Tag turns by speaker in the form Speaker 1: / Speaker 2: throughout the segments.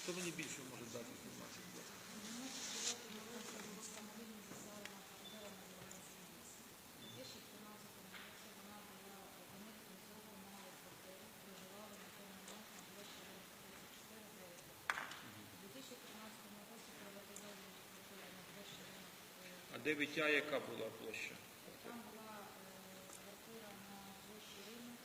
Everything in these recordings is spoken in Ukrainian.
Speaker 1: Хто мені більше може дати інформацію? А де Вітя, яка була площа?
Speaker 2: Там була квартира на площі Ринок,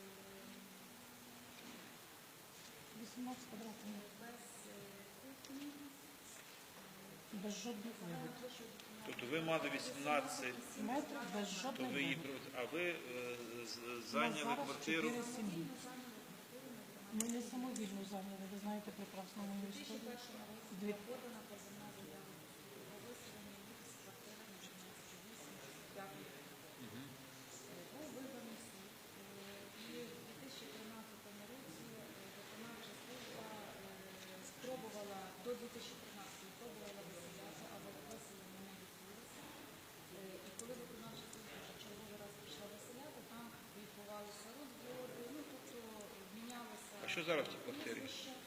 Speaker 3: 18 квадратів.
Speaker 2: без кухні.
Speaker 3: Без жодних вигод.
Speaker 1: Тобто ви мали 18,
Speaker 3: Метр без
Speaker 1: то
Speaker 3: жодних
Speaker 1: ви її,
Speaker 3: вигод.
Speaker 1: а ви зайняли квартиру?
Speaker 3: 4 сім'ї. Ми не самовільно зайняли, ви знаєте прекрасно мою історію. Дві.
Speaker 2: Подана позовна заява про виселення їх з квартири на 16-8 був вибраний суд. І в 2013 році виконавча служба спробувала, до 2013 пробувала виселяти, але виселення не відбулося. І коли виконавча служба вже черговий раз пішла виселяти, там відбувалися розводи, ну тобто мінялися.
Speaker 1: А що зараз в цій квартирі?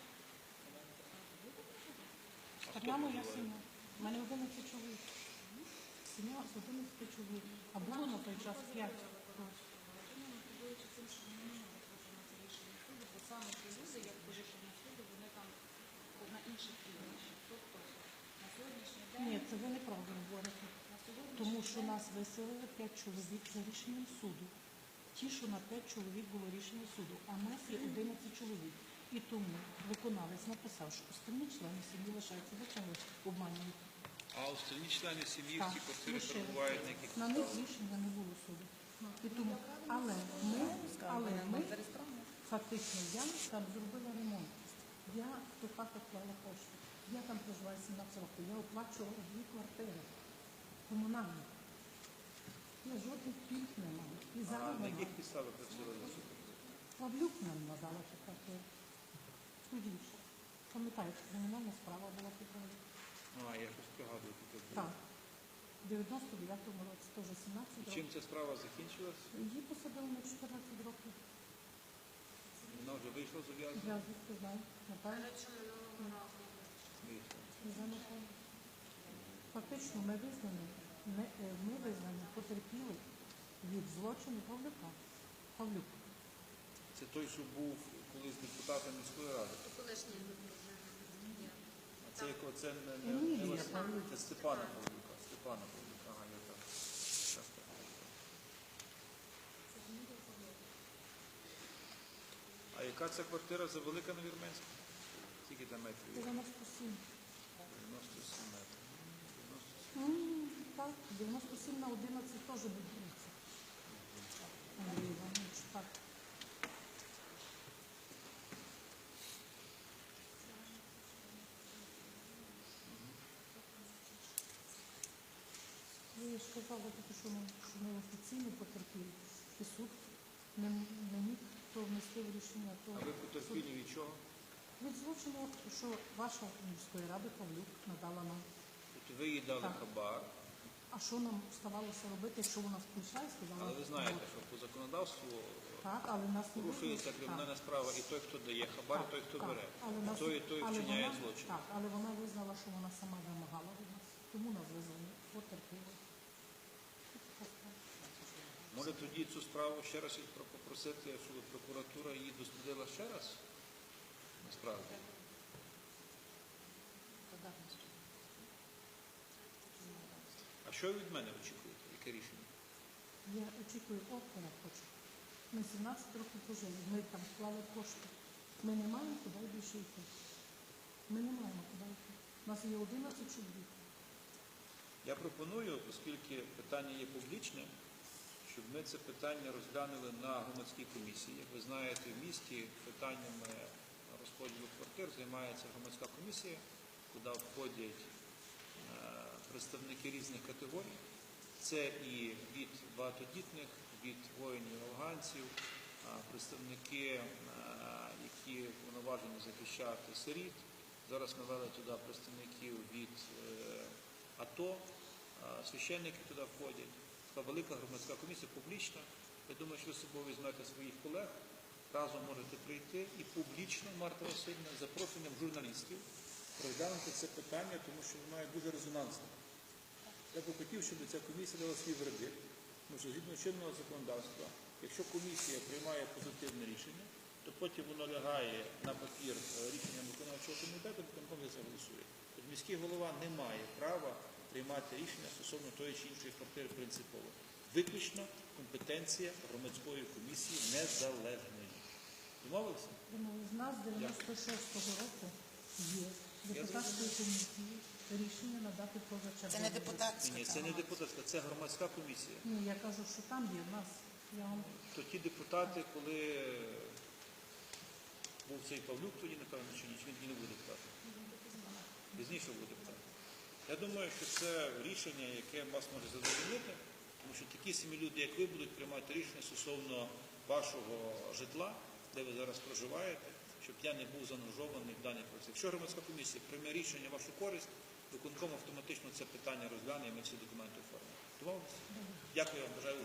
Speaker 3: Одна моя сім'я. У мене 11 чоловік. Сім'я з 11 чоловік. А було на той час 5.
Speaker 2: Мотивуючи тим, що вони не можуть виконати рішення суду, бо саме ті люди, як по рішенню суду, вони там на інших прізвищах. Тобто на сьогоднішній день,
Speaker 3: Ні, це ви неправильно говорите.
Speaker 2: на сьогоднішній
Speaker 3: Тому що нас виселили 5 чоловік за рішенням суду. Ті, що на 5 чоловік було рішення суду, а нас є 11 чоловік. І тому виконавець написав, що останні члени сім'ї лишаються. Зачем ви обманюєте?
Speaker 1: А остальні члени сім'ї в
Speaker 3: Так,
Speaker 1: цій квартирі
Speaker 3: лишили.
Speaker 1: перебувають на яких
Speaker 3: На них рішення не було суду. І тому, але ми фактично, я там зробила ремонт. Я в ту хату клала кошти. Я там проживаю 17 років. Я оплачувала 2 квартири комунальні. Я жодних пільг не маю. І
Speaker 1: А
Speaker 3: зараз
Speaker 1: на
Speaker 3: не
Speaker 1: яких
Speaker 3: маю.
Speaker 1: підставах працювали на суді?
Speaker 3: Павлюк нам надала цю квартиру. Судівше. Пам'ятаєте, кримінальна справа була по Павлюку.
Speaker 1: А, я щось пригадую. таке було.
Speaker 3: Так. В 99-му році, теж 17
Speaker 1: І
Speaker 3: років.
Speaker 1: чим ця справа закінчилась?
Speaker 3: Її посадили на 14 років.
Speaker 1: Вона вже вийшла з ув'язнення?
Speaker 3: Я звідки знаю. Напевно.
Speaker 1: Вийшла.
Speaker 3: Вже напевно. Фактично ми визнані потерпіли від злочину Павлюка. Павлюк.
Speaker 1: Це той, що був колись депутатом міської ради. А це якого? Це не
Speaker 3: Емілія
Speaker 1: Василь-
Speaker 3: Павлюк.
Speaker 1: Це Степана Павлюка. Степана Павлюка. Ага, я так. Так, так. А яка ця квартира за велика на Вірменську? Скільки там метрів? є?
Speaker 3: 97.
Speaker 1: 97 метрів. 97.
Speaker 3: Так, 97 на 11 теж буде 30. Андрій Іванович, так. Ви ж казали, що ми офіційно потерпіли, і суд не міг то внести в рішення. То
Speaker 1: А ви потерпілі від чого?
Speaker 3: від злочину, що ваша міської ради Павлюк надала нам.
Speaker 1: Тобто ви їй дали
Speaker 3: Так.
Speaker 1: хабар,
Speaker 3: А що нам ставалося робити, якщо вона включає, сказала?
Speaker 1: але ви знаєте, що по законодавству
Speaker 3: Так, але нас не
Speaker 1: порушується
Speaker 3: визнали.
Speaker 1: кримінальна справа і той, хто дає хабар, і той, хто бере.
Speaker 3: Але
Speaker 1: І
Speaker 3: нас-
Speaker 1: той
Speaker 3: але
Speaker 1: вчиняє
Speaker 3: вона-
Speaker 1: злочин.
Speaker 3: Так, але вона визнала, що вона сама вимагала від нас. Тому нас визнали потерпіли.
Speaker 1: Може тоді цю справу ще раз попросити, щоб прокуратура її дослідила ще раз? Насправді. А що ви від мене очікуєте? Яке рішення?
Speaker 3: Я очікую опера хочу. Ми 17 років пожили, ми там вклали кошти. Ми не маємо куди більше йти. Ми не маємо куди йти. У нас є 11 чоловік.
Speaker 1: Я пропоную, оскільки питання є публічним, щоб ми це питання розглянули на громадській комісії. Як ви знаєте, в місті питаннями розподілу квартир займається громадська комісія, куди входять представники різних категорій. Це і від багатодітних, від воїнів-афганців, представники, які повноважені захищати сиріт. Зараз ми вели туди представників від АТО, священники туди входять. Така велика громадська комісія, публічна. Я думаю, що ви з собою візьмете своїх колег, разом можете прийти і публічно, Марта Васильівна, з запрошенням журналістів розглянути це питання, тому що воно є дуже резонансне. Я б хотів, щоб ця комісія дала свій вердикт, тому що згідно чинного законодавства, якщо комісія приймає позитивне рішення, то потім воно лягає на папір рішенням виконавчого комітету, виконком за це голосує. Тобто міський голова не має права приймати рішення стосовно тої чи іншої квартири принципово. Виключно компетенція громадської комісії незалежної. Домовилися?
Speaker 3: Тому в нас з 96-го року є депутатської комісії рішення надати позачергове.
Speaker 4: Це не депутатська.
Speaker 1: Ні, це не депутатська, це громадська комісія.
Speaker 3: Ні, я кажу, що там є в нас. Я вам
Speaker 1: То ті депутати, коли був цей Павлюк, тоді, напевно, чи ні, чи він тоді не буде депутатом? Пізніше буде депутатом. Я думаю, що це рішення, яке вас може задовольнити, тому що такі самі люди, як ви, будуть приймати рішення стосовно вашого житла, де ви зараз проживаєте, щоб я не був заангажований в даний процес. Якщо громадська комісія прийме рішення в вашу користь, виконком автоматично це питання розгляне і ми всі документи оформимо. Домовилися? Дякую вам, бажаю.